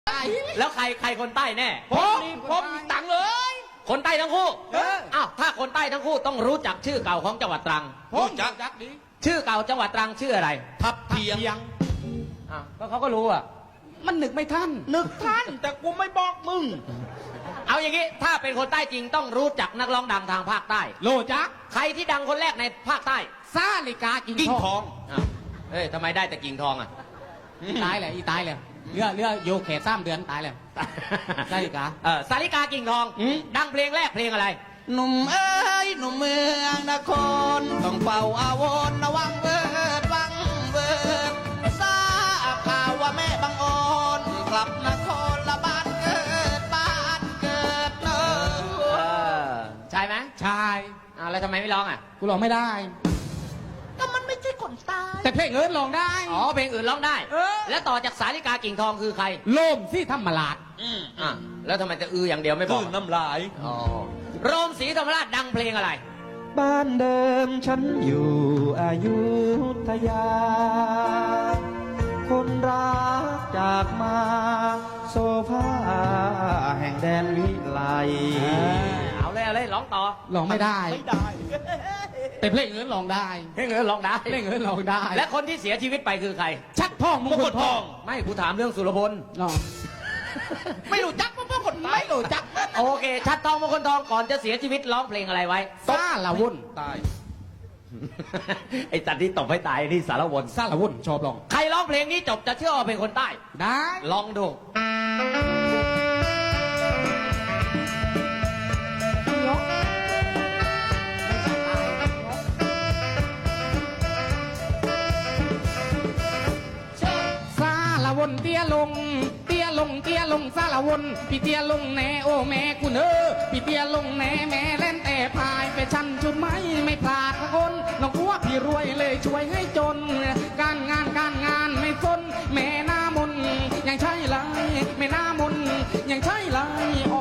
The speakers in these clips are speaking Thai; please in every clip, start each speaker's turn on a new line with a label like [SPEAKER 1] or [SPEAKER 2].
[SPEAKER 1] แล้วใครคนใต้แน่
[SPEAKER 2] ผมตังเลย
[SPEAKER 1] คนใต้ทั้งคู่อ้าวถ้าคนใต้ทั้งคู่ต้องรู้จักชื่อเก่าของจังหวัดตรัง
[SPEAKER 2] ผมจักดิ
[SPEAKER 1] ชื่อเก่าจังหวัดตรังชื่ออะไร
[SPEAKER 2] ทับเทียง
[SPEAKER 1] อ้าวก็เขาก็รู้อ่ะ
[SPEAKER 3] มันนึกไม่ทัน
[SPEAKER 2] นึกท่านแต่กูไม่บอกมึง
[SPEAKER 1] เอาอย่างนี้ถ้าเป็นคนใต้จริงต้องรู้จักนักร้องดังทางภาคใต้
[SPEAKER 3] โลจัก
[SPEAKER 1] ใครที่ดังคนแรกในภาคใต้
[SPEAKER 3] ซาลิกากิ่
[SPEAKER 2] กิ่
[SPEAKER 3] ง
[SPEAKER 2] ง
[SPEAKER 3] ท
[SPEAKER 2] ท
[SPEAKER 3] อ
[SPEAKER 2] อง ง
[SPEAKER 1] อ้าวเฮ้ยทำไมได้แต่กิ่งทองอ่ะ
[SPEAKER 3] ตายเลยอีตายเลยเรือโยแขก3 เดือนตายเลยซาลิกา
[SPEAKER 1] สาริกากิ่งทอง ดังเพลงแรกเพลงอะไร
[SPEAKER 2] หนุ่มเอ้ยหนุ่มเมืองนครต้องเป่าอาวรระวังเบิดวังเบิดทราบข่าวว่าแม่บางอ่อนกลับนครละบ้านเกิดเนอะ
[SPEAKER 1] ใช่ไหม
[SPEAKER 3] ชาย
[SPEAKER 1] อ้าวแล้วทำไมไม่ร้องอ่ะ
[SPEAKER 3] กูร้องไม่ได้
[SPEAKER 2] ก็มันไม่ใช่คนตาย
[SPEAKER 3] แต่เพลงเอิร์ธร้องได้
[SPEAKER 1] อ๋อเพลงอื่นร้องได้ แล้วต่อจากสาริกากิ่งทองคือใคร
[SPEAKER 3] โลมที่ธรรมราช
[SPEAKER 1] อ่ะแล้วทำไมจะอย่างเดียวไม่บ
[SPEAKER 2] คือ
[SPEAKER 1] อก
[SPEAKER 2] น้ำลาย
[SPEAKER 1] อ๋อโรมศรีธรรมราชดังเพลงอะไร
[SPEAKER 2] บ้านเดิมฉันอยู่อยุธยา คนรักจากมาโซฟาแห่งแดนวิไล
[SPEAKER 1] เอาเลยร้องต่อ
[SPEAKER 3] ร้องไม่ได้
[SPEAKER 2] ไม่ได้
[SPEAKER 3] แต่เพลงเอิร์ธร้องได้
[SPEAKER 1] เพลงอื่นร้องได้
[SPEAKER 3] เพลงเอิร์ธร้องได้
[SPEAKER 1] และคนที่เสียชีวิตไปคือใคร
[SPEAKER 3] ชัดทองมงคลทอง
[SPEAKER 1] ไม่กูถามเรื่องสุรพล
[SPEAKER 3] อ๋อ
[SPEAKER 2] ไม่รู้จักเพราะคนตายไม่รู้จัก
[SPEAKER 1] โอเค ชัดทองมงคลทองก่อนจะเสียชีวิตร้องเพลงอะไรไว้
[SPEAKER 3] ซาละวุ่น
[SPEAKER 2] ตาย
[SPEAKER 1] ไอ้จัดที่ตบให้ตายนี่สารวน
[SPEAKER 3] ซาละวุ่นชอบร้อง
[SPEAKER 1] ใครร้องเพลงนี้จบจะเชื่อว่าเป็นคนใต้
[SPEAKER 3] ได้
[SPEAKER 1] ลองดู
[SPEAKER 3] ซาละวุ่นเตี้ยลงเตี้ยลงเตี้ยลงซาละวุ่นพี่เตี้ยลงแน่โอ้แม่คุณพี่เตี้ยลงแน่แม่เล่นแต่พายไปชันชุดไม่พลาดละคนน้องอ้วพี่รวยเลยช่วยให้จน การงานไม่สนแม่หน้ามนยังใช่ไรแม่หน้ามนยังใช่ไรอ๋อ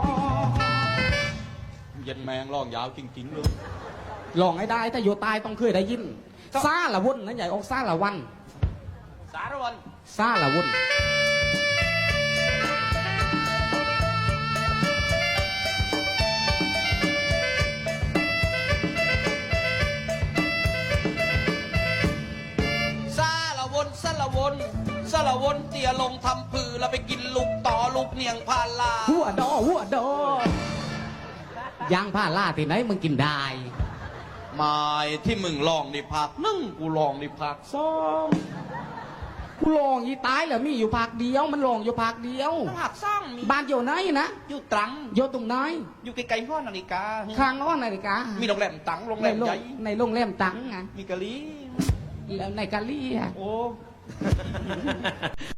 [SPEAKER 2] เย็นแมงร้องยาวจริงๆเลย
[SPEAKER 3] ลองให้ได้ถ้าอยู่ตายต้องเคยได้ยินซาละวุ่นนั่นใหญ่ออกซาละวัน
[SPEAKER 1] สารวน
[SPEAKER 3] ซาละวุ่น
[SPEAKER 2] ซาละวนซาละวนซาละวนเตียลงทำผือแล้วไปกินลูกต่อลูกเนียงพาลา
[SPEAKER 3] หัวดอยางผ้าล่าที่ไหนมึงกินได้
[SPEAKER 2] ไม้ที่มึงลองในภาคหนึ่งกูลองในภาคสอง
[SPEAKER 3] กูลองยีตายเหรอมีอยู่ภาคเดียวมันลองอยู่ภาคเดียว
[SPEAKER 2] ภาคสองมี
[SPEAKER 3] บ้านอยู่ไหนนะ
[SPEAKER 2] อยู่ตรัง
[SPEAKER 3] อยู่ตรงไหน
[SPEAKER 2] อยู่ไกลๆห้อนาฬิกา
[SPEAKER 3] ข้างอ้อนนาฬิกา
[SPEAKER 2] มีโรงแรมตังโรงแรมใหญ่
[SPEAKER 3] ในโรงแรมตังไง
[SPEAKER 2] มีกะลี
[SPEAKER 3] แล้วในกาลีอะ
[SPEAKER 2] โอ้